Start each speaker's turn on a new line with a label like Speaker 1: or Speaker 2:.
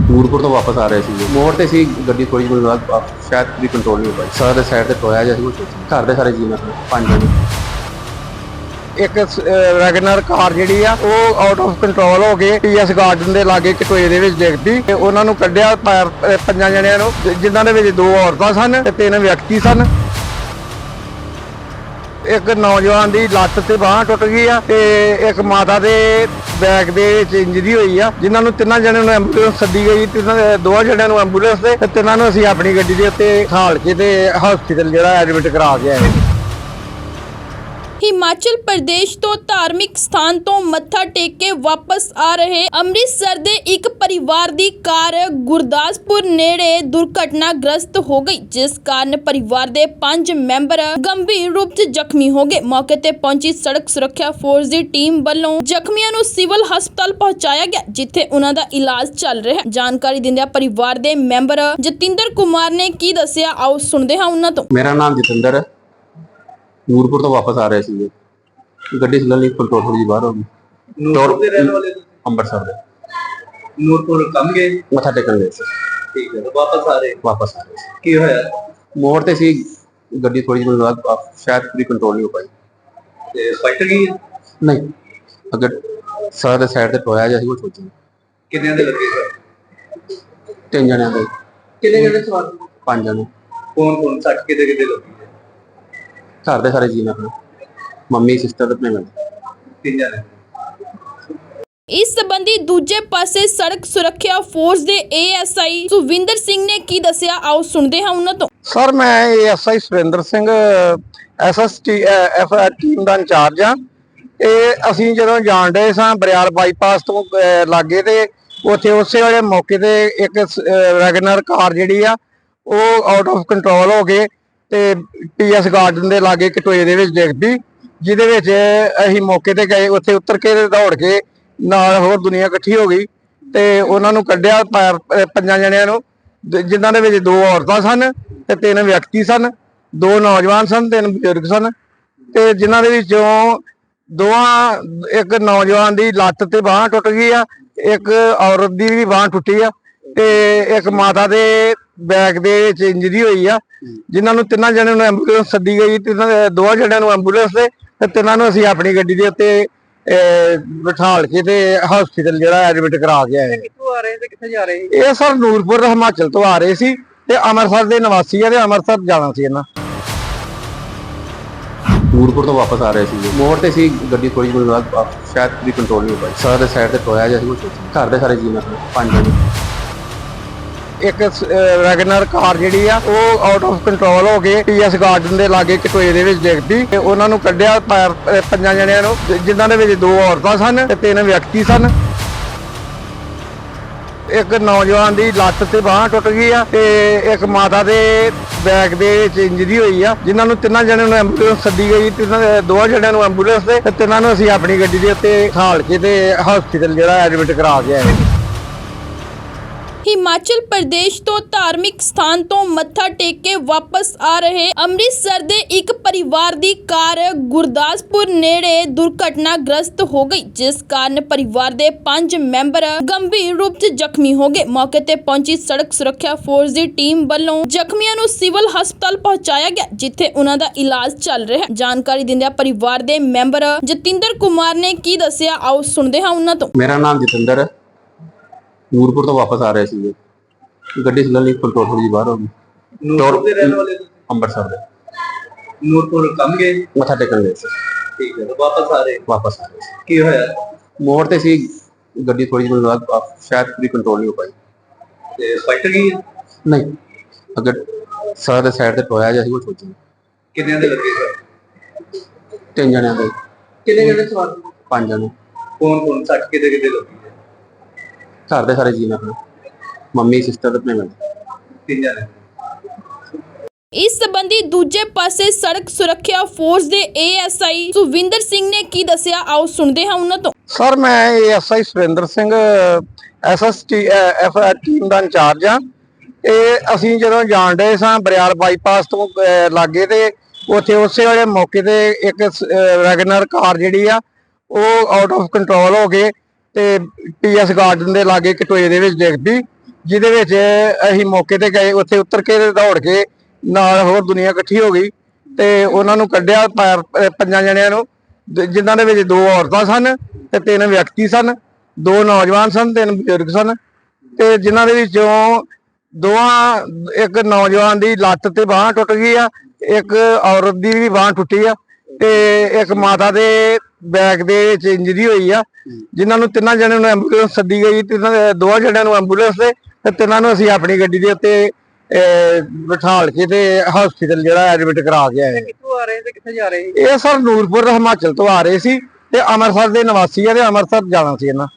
Speaker 1: ਨੂਰਪੁਰ ਤੋਂ ਵਾਪਸ ਆ ਰਹੇ ਸੀ ਮੋੜ ਤੇ ਸੀ ਗੱਡੀ ਥੋੜੀ ਜਿਹੀ ਬਾਅਦ ਸ਼ਾਇਦ ਵੀ ਕੰਟਰੋਲ ਨਹੀਂ ਹੋ ਪਾਈ। ਸਾਰਾ ਦੇ ਸਾਈਡ ਤੇ ਟੋਇਆ ਜਿਹਾ ਸੀ ਕੁਛ ਘਰ ਦੇ ਸਾਰੇ ਜੀਅ ਨਾਲ 5 ਜਣੇ।
Speaker 2: ਇੱਕ ਵੈਗਨਰ ਕਾਰ ਜਿਹੜੀ ਆ ਉਹ ਆਊਟ ਆਫ ਕੰਟਰੋਲ ਹੋ ਕੇ ਪੀਐਸ ਗਾਰਡਨ ਦੇ ਲਾਗੇ ਇੱਕ ਟੋਏ ਦੇ ਵਿੱਚ ਡਿੱਗ ਪਈ ਤੇ ਉਹਨਾਂ ਨੂੰ ਕੱਢਿਆ 5 ਜਣਿਆਂ ਨੂੰ, ਜਿਨ੍ਹਾਂ ਦੇ ਵਿੱਚ 2 ਔਰਤਾਂ ਸਨ ਤੇ 3 ਵਿਅਕਤੀ ਸਨ। ਇੱਕ ਨੌਜਵਾਨ ਦੀ ਲੱਤ ਤੇ ਬਾਂਹ ਟੁੱਟ ਗਈ ਆ ਤੇ ਇੱਕ ਮਾਤਾ ਦੇ ਬੈਕ ਦੇ ਵਿੱਚ ਇੰਜਰੀ ਹੋਈ ਆ, ਜਿਨ੍ਹਾਂ ਨੂੰ 3 ਜਣਿਆਂ ਨੂੰ ਐਂਬੂਲੈਂਸ ਸੱਦੀ ਗਈ। 2 ਜਣਿਆਂ ਨੂੰ ਐਂਬੂਲੈਂਸ ਤੇ 3 ਨੂੰ ਅਸੀਂ ਆਪਣੀ ਗੱਡੀ ਦੇ ਉੱਤੇ ਹਾਲ ਕੇ ਤੇ ਹਸਪੀਟਲ ਜਿਹੜਾ ਐਡਮਿਟ ਕਰਾ ਕੇ ਆਏ।
Speaker 3: ਹਿਮਾਚਲ ਪ੍ਰਦੇਸ਼ ਤੋਂ ਧਾਰਮਿਕ ਸਥਾਨ ਤੋਂ ਮੱਥਾ ਟੇਕ ਕੇ ਵਾਪਸ ਆ ਰਹੇ ਅੰਮ੍ਰਿਤਸਰ ਦੇ ਇੱਕ ਪਰਿਵਾਰ ਦੀ ਕਾਰ ਗੁਰਦਾਸਪੁਰ ਨੇੜੇ ਦੁਰਘਟਨਾਗ੍ਰਸਤ ਹੋ ਗਈ, ਜਿਸ ਕਾਰਨ ਪਰਿਵਾਰ ਦੇ 5 ਮੈਂਬਰ ਗੰਭੀਰ ਰੂਪ 'ਚ ਜ਼ਖਮੀ ਹੋ ਗਏ। ਮੌਕੇ ਤੇ ਪਹੁੰਚੀ ਸੜਕ ਸੁਰੱਖਿਆ ਫੋਰਸ ਦੀ ਟੀਮ ਵੱਲੋਂ ਜ਼ਖਮੀਆਂ ਨੂੰ ਸਿਵਲ ਹਸਪਤਾਲ ਪਹੁੰਚਾਇਆ ਗਿਆ, ਜਿੱਥੇ ਉਹਨਾਂ ਦਾ ਇਲਾਜ ਚੱਲ ਰਿਹਾ ਹੈ। ਜਾਣਕਾਰੀ ਦਿੰਦਿਆਂ ਪਰਿਵਾਰ ਦੇ ਮੈਂਬਰ ਜਤਿੰਦਰ ਕੁਮਾਰ ਨੇ ਕੀ ਦੱਸਿਆ, ਆਓ ਸੁਣਦੇ ਹਾਂ ਉਹਨਾਂ ਤੋਂ।
Speaker 1: ਮੇਰਾ ਨਾਮ ਜਤਿੰਦਰ ਹੈ। ਨੂਰਪੁਰ ਤੋਂ ਵਾਪਸ ਆ ਰਹੇ ਸੀ ਗੱਡੀ ਸਲਲੀ ਕੰਟਰੋਲ ਥੋੜੀ ਜਿਹੀ ਬਾਹਰ ਹੋ ਗਈ।
Speaker 4: ਨੂਰਪੁਰ ਦੇ ਰਹਿਣ ਵਾਲੇ ਤੁਸੀਂ?
Speaker 1: ਅੰਮ੍ਰਿਤਸਰ ਦੇ।
Speaker 4: ਨੂਰਪੁਰ ਕੰਮ ਗਏ?
Speaker 1: ਮੱਥਾ ਟੇਕਣ ਗਏ ਸੀ।
Speaker 4: ਠੀਕ ਹੈ, ਵਾਪਸ ਆ ਰਹੇ
Speaker 1: ਸੀ।
Speaker 4: ਕੀ ਹੋਇਆ?
Speaker 1: ਮੋੜ ਤੇ ਸੀ ਗੱਡੀ ਥੋੜੀ ਜਿਹੀ ਬਾਅਦ ਸ਼ਾਇਦ ਵੀ ਕੰਟਰੋਲ ਨਹੀਂ ਹੋ ਪਾਈ
Speaker 4: ਤੇ ਫਾਈਟਰ ਗਈ?
Speaker 1: ਨਹੀਂ, ਅਗਰ ਸਾਰਾ ਦੇ ਸਾਈਡ ਤੇ ਟੋਇਆ ਜਿਹਾ ਸੀ ਕੁਛ
Speaker 4: ਕਿੰਨਿਆਂ ਦੇ ਲੱਗੇ ਸਰ?
Speaker 1: 3 ਜਣਿਆਂ ਦੇ।
Speaker 4: ਕਿੰਨੇ ਜਣੇ ਸਵਾਰ?
Speaker 1: 5 ਜਣੇ।
Speaker 4: ਕੌਣ ਸੱਟ ਕਿਤੇ ਲੱਗੀ?
Speaker 1: ਘਰ ਦੇ ਸਾਰੇ ਜੀਅ ਨਾਲ ਮੰਮੀ ਸਿਸਟਰ ਤੇ ਆਪਣੇ
Speaker 4: 3 ਜਣੇ।
Speaker 3: ਇਸ ਸੰਬੰਧੀ ਦੂਜੇ ਪਾਸੇ ਸੜਕ ਸੁਰੱਖਿਆ ਫੋਰਸ ਦੇ ਏਐਸਆਈ ਸੁਵਿੰਦਰ ਸਿੰਘ ਨੇ ਕੀ ਦੱਸਿਆ, ਆਓ ਸੁਣਦੇ ਹਾਂ ਉਹਨਾਂ ਤੋਂ।
Speaker 2: ਸਰ, ਮੈਂ ASI Surinder Singh SST FR team ਦਾ ਇੰਚਾਰਜ ਆ। ਇਹ ਅਸੀਂ ਜਦੋਂ ਜਾਣ ਡਏ ਸਾਂ ਬਰਿਆਲ ਬਾਈਪਾਸ ਤੋਂ ਲਾਗੇ ਤੇ ਉੱਥੇ ਉਸੇ ਵੇਲੇ ਮੌਕੇ ਤੇ ਇੱਕ ਵੈਗਨਰ ਕਾਰ ਜਿਹੜੀ ਆ ਉਹ ਆਊਟ ਆਫ ਕੰਟਰੋਲ ਹੋ ਕੇ ਤੇ ਪੀਐਸ ਗਾਰਡਨ ਦੇ ਲਾਗੇ ਇੱਕ ਟੋਏ ਦੇ ਵਿੱਚ ਡਿੱਗ ਪਈ, ਜਿਹਦੇ ਵਿੱਚ ਅਸੀਂ ਮੌਕੇ ਤੇ ਗਏ। ਉੱਥੇ ਉਤਰ ਕੇ ਦੌੜ ਕੇ ਨਾਲ ਹੋਰ ਦੁਨੀਆ ਇਕੱਠੀ ਹੋ ਗਈ ਤੇ ਉਹਨਾਂ ਨੂੰ ਕੱਢਿਆ 5 ਜਣਿਆਂ ਨੂੰ, ਜਿਨ੍ਹਾਂ ਦੇ ਵਿੱਚ 2 ਔਰਤਾਂ ਸਨ ਤੇ 3 ਵਿਅਕਤੀ ਸਨ। 2 ਨੌਜਵਾਨ ਸਨ, 3 ਬਜ਼ੁਰਗ ਸਨ ਤੇ ਜਿਨ੍ਹਾਂ ਦੇ ਵਿੱਚੋਂ ਇੱਕ ਨੌਜਵਾਨ ਦੀ ਲੱਤ ਤੇ ਬਾਂਹ ਟੁੱਟ ਗਈ ਆ, ਇੱਕ ਔਰਤ ਦੀ ਵੀ ਬਾਂਹ ਟੁੱਟੀ ਆ ਤੇ ਇੱਕ ਮਾਤਾ ਦੇ ਬੈਕ ਦੇ ਵਿੱਚ ਇੰਜਰੀ ਹੋਈ ਆ, ਜਿਨ੍ਹਾਂ ਨੂੰ 3 ਜਣਿਆਂ ਨੂੰ ਐਂਬੂਲੈਂਸ ਸੱਦੀ ਗਈ। 2 ਜਣਿਆਂ ਨੂੰ ਐਂਬੂਲੈਂਸ ਤੇ 3 ਨੂੰ ਅਸੀਂ ਆਪਣੀ ਗੱਡੀ ਦੇ ਉੱਤੇ ਬਿਠਾਲ ਕੇ ਤੇ ਹਸਪੀਟਲ ਜਿਹੜਾ ਐਡਮਿਟ ਕਰਾ ਕੇ ਆਏ।
Speaker 4: ਕਿੱਥੋਂ ਆ ਰਹੇ ਤੇ ਕਿੱਥੇ ਜਾ ਰਹੇ?
Speaker 2: ਇਹ ਸਰ ਨੂਰਪੁਰ ਹਿਮਾਚਲ ਤੋਂ ਆ ਰਹੇ ਸੀ ਤੇ ਅੰਮ੍ਰਿਤਸਰ ਦੇ ਨਿਵਾਸੀ ਆ ਤੇ ਅੰਮ੍ਰਿਤਸਰ ਜਾਣਾ ਸੀ ਇਹਨਾਂ।
Speaker 1: ਨੂਰਪੁਰ ਤੋਂ ਵਾਪਸ ਆ ਰਹੇ ਸੀ ਮੋੜ ਤੇ ਸੀ ਗੱਡੀ ਥੋੜੀ ਜਿਹੀ ਬਾਅਦ ਸ਼ਾਇਦ ਵੀ ਕੰਟਰੋਲ ਨਹੀਂ ਹੋ ਪਾਈ। ਸਾਰਾ ਦੇ ਸਾਈਡ ਤੇ ਟੋਇਆ ਜਿਹਾ ਸੀ ਕੁਛ ਘਰ ਦੇ ਸਾਰੇ ਜੀਅ ਨਾਲ 5 ਜਣੇ।
Speaker 2: ਇੱਕ ਵੈਗਨਰ ਕਾਰ ਜਿਹੜੀ ਆ ਉਹ ਆਊਟ ਆਫ ਕੰਟਰੋਲ ਹੋ ਕੇ ਪੀਐਸ ਗਾਰਡਨ ਦੇ ਲਾਗੇ ਇੱਕ ਟੋਏ ਦੇ ਵਿੱਚ ਡਿੱਗ ਪਈ ਤੇ ਉਹਨਾਂ ਨੂੰ ਕੱਢਿਆ 5 ਜਣਿਆਂ ਨੂੰ, ਜਿਨ੍ਹਾਂ ਦੇ ਵਿੱਚ 2 ਔਰਤਾਂ ਸਨ ਤੇ 3 ਵਿਅਕਤੀ ਸਨ। ਇੱਕ ਨੌਜਵਾਨ ਦੀ ਲੱਤ ਤੇ ਬਾਂਹ ਟੁੱਟ ਗਈ ਆ ਤੇ ਇੱਕ ਮਾਤਾ ਦੇ ਬੈਕ ਦੇ ਵਿੱਚ ਇੰਜਰੀ ਹੋਈ ਆ, ਜਿਨ੍ਹਾਂ ਨੂੰ 3 ਜਣਿਆਂ ਨੂੰ ਐਂਬੂਲੈਂਸ ਸੱਦੀ ਗਈ। 2 ਜਣਿਆਂ ਨੂੰ ਐਂਬੂਲੈਂਸ ਤੇ 3 ਨੂੰ ਅਸੀਂ ਆਪਣੀ ਗੱਡੀ ਦੇ ਉੱਤੇ ਹਾਲ ਕੇ ਤੇ ਹਸਪੀਟਲ ਜਿਹੜਾ ਐਡਮਿਟ ਕਰਾ ਕੇ ਆਏ।
Speaker 3: ਹਿਮਾਚਲ ਪ੍ਰਦੇਸ਼ ਤੋਂ ਧਾਰਮਿਕ ਸਥਾਨ ਤੋਂ ਮੱਥਾ ਟੇਕ ਕੇ ਵਾਪਸ ਆ ਰਹੇ ਅੰਮ੍ਰਿਤਸਰ ਦੇ ਇੱਕ ਪਰਿਵਾਰ ਦੀ ਕਾਰ ਗੁਰਦਾਸਪੁਰ ਨੇੜੇ ਦੁਰਘਟਨਾਗ੍ਰਸਤ ਹੋ ਗਈ, ਜਿਸ ਕਾਰਨ ਪਰਿਵਾਰ ਦੇ 5 ਮੈਂਬਰ ਗੰਭੀਰ ਰੂਪ 'ਚ ਜ਼ਖਮੀ ਹੋ ਗਏ। ਮੌਕੇ ਤੇ ਪਹੁੰਚੀ ਸੜਕ ਸੁਰੱਖਿਆ ਫੋਰਸ ਦੀ ਟੀਮ ਵੱਲੋਂ ਜ਼ਖਮੀਆਂ ਨੂੰ ਸਿਵਲ ਹਸਪਤਾਲ ਪਹੁੰਚਾਇਆ ਗਿਆ, ਜਿੱਥੇ ਉਹਨਾਂ ਦਾ ਇਲਾਜ ਚੱਲ ਰਿਹਾ ਹੈ। ਜਾਣਕਾਰੀ ਦਿੰਦਿਆਂ ਪਰਿਵਾਰ ਦੇ ਮੈਂਬਰ ਜਤਿੰਦਰ ਕੁਮਾਰ ਨੇ ਕੀ ਦੱਸਿਆ, ਆਓ ਸੁਣਦੇ ਹਾਂ ਉਹਨਾਂ ਤੋਂ।
Speaker 1: ਮੇਰਾ ਨਾਮ ਜਤਿੰਦਰ ਹੈ। ਨੂਰਪੁਰ ਤੋਂ ਵਾਪਸ ਆ ਰਹੇ ਸੀ ਗੱਡੀ ਸਲਲੀ ਕੰਟਰੋਲ ਥੋੜੀ ਜਿਹੀ ਬਾਹਰ ਹੋ ਗਈ।
Speaker 4: ਨੂਰਪੁਰ ਦੇ ਰਹਿਣ ਵਾਲੇ ਤੁਸੀਂ?
Speaker 1: ਅੰਮ੍ਰਿਤਸਰ ਦੇ।
Speaker 4: ਨੂਰਪੁਰ ਕੰਮ ਗਏ?
Speaker 1: ਮੱਥਾ ਟੇਕਣ ਗਏ ਸੀ।
Speaker 4: ਠੀਕ ਹੈ, ਵਾਪਸ ਆ ਰਹੇ
Speaker 1: ਸੀ।
Speaker 4: ਕੀ ਹੋਇਆ?
Speaker 1: ਮੋੜ ਤੇ ਸੀ ਗੱਡੀ ਥੋੜੀ ਜਿਹੀ ਬਾਅਦ ਸ਼ਾਇਦ ਵੀ ਕੰਟਰੋਲ ਨਹੀਂ ਹੋ ਪਾਈ
Speaker 4: ਤੇ ਫਾਈਟਰ ਗਈ?
Speaker 1: ਨਹੀਂ, ਅਗਰ ਸਾਰਾ ਦੇ ਸਾਈਡ ਤੇ ਟੋਇਆ ਜਿਹਾ ਸੀ ਕੁਛ
Speaker 4: ਕਿੰਨਿਆਂ ਦੇ ਲੱਗੇ ਸਰ?
Speaker 1: 3 ਜਣਿਆਂ ਦੇ।
Speaker 4: ਕਿੰਨੇ ਜਣੇ ਸਵਾਰ?
Speaker 1: 5 ਜਣੇ।
Speaker 4: ਕੌਣ ਸੱਟ ਕਿਤੇ ਲੱਗੀ?
Speaker 1: ਘਰ ਦੇ ਸਾਰੇ ਜੀਅ ਨਾਲ ਮੰਮੀ ਸਿਸਟਰ ਤੇ ਆਪਣੇ
Speaker 4: 3 ਜਣੇ।
Speaker 3: ਇਸ ਸੰਬੰਧੀ ਦੂਜੇ ਪਾਸੇ ਸੜਕ ਸੁਰੱਖਿਆ ਫੋਰਸ ਦੇ ਏਐਸਆਈ ਸੁਵਿੰਦਰ ਸਿੰਘ ਨੇ ਕੀ ਦੱਸਿਆ, ਆਓ ਸੁਣਦੇ ਹਾਂ ਉਹਨਾਂ ਤੋਂ।
Speaker 2: ਸਰ, ਮੈਂ ASI Surinder Singh SST FR team ਦਾ ਇੰਚਾਰਜ ਆ। ਇਹ ਅਸੀਂ ਜਦੋਂ ਜਾਣ ਡਏ ਸਾਂ ਬਰਿਆਲ ਬਾਈਪਾਸ ਤੋਂ ਲਾਗੇ ਤੇ ਉੱਥੇ ਉਸੇ ਵੇਲੇ ਮੌਕੇ ਤੇ ਇੱਕ ਵੈਗਨਰ ਕਾਰ ਜਿਹੜੀ ਆ ਉਹ ਆਊਟ ਆਫ ਕੰਟਰੋਲ ਹੋ ਕੇ ਤੇ ਪੀਐਸ ਗਾਰਡਨ ਦੇ ਲਾਗੇ ਇੱਕ ਟੋਏ ਦੇ ਵਿੱਚ ਡਿੱਗ ਪਈ, ਜਿਹਦੇ ਵਿੱਚ ਅਸੀਂ ਮੌਕੇ ਤੇ ਗਏ, ਉੱਥੇ ਉਤਰ ਕੇ ਤੇ ਦੌੜ ਕੇ ਨਾਲ ਹੋਰ ਦੁਨੀਆ ਇਕੱਠੀ ਹੋ ਗਈ ਤੇ ਉਹਨਾਂ ਨੂੰ ਕੱਢਿਆ ਪੰਜਾਂ ਜਣਿਆਂ ਨੂੰ, ਜਿਨ੍ਹਾਂ ਦੇ ਵਿੱਚ 2 ਔਰਤਾਂ ਸਨ ਤੇ 3 ਵਿਅਕਤੀ ਸਨ, 2 ਨੌਜਵਾਨ ਸਨ, 3 ਬਜ਼ੁਰਗ ਸਨ ਤੇ ਜਿਨ੍ਹਾਂ ਦੇ ਵਿੱਚੋਂ ਇੱਕ ਨੌਜਵਾਨ ਦੀ ਲੱਤ ਤੇ ਬਾਂਹ ਟੁੱਟ ਗਈ ਆ, ਇੱਕ ਔਰਤ ਦੀ ਵੀ ਬਾਂਹ ਟੁੱਟੀ ਆ ਤੇ ਇੱਕ ਮਾਤਾ ਦੇ ਬੈਕ ਦੇ ਵਿੱਚ ਇੰਜਰੀ ਹੋਈ ਆ, ਜਿਨ੍ਹਾਂ ਨੂੰ 3 ਜਣਿਆਂ ਨੂੰ ਐਂਬੂਲੈਂਸ ਸੱਦੀ ਗਈ, 2 ਜਣਿਆਂ ਨੂੰ ਐਂਬੂਲੈਂਸ ਤੇ 3 ਨੂੰ ਅਸੀਂ ਆਪਣੀ ਗੱਡੀ ਦੇ ਉੱਤੇ ਬਿਠਾਲ ਕੇ ਤੇ ਹਸਪੀਟਲ ਜਿਹੜਾ ਐਡਮਿਟ ਕਰਾ ਕੇ ਆਏ।
Speaker 4: ਕਿੱਥੋਂ ਆ ਰਹੇ ਤੇ ਕਿੱਥੇ ਜਾ ਰਹੇ?
Speaker 2: ਇਹ ਸਰ ਨੂਰਪੁਰ ਹਿਮਾਚਲ ਤੋਂ ਆ ਰਹੇ ਸੀ ਤੇ ਅੰਮ੍ਰਿਤਸਰ ਦੇ ਨਿਵਾਸੀ ਆ ਤੇ ਅੰਮ੍ਰਿਤਸਰ ਜਾਣਾ ਸੀ ਇਹਨਾਂ।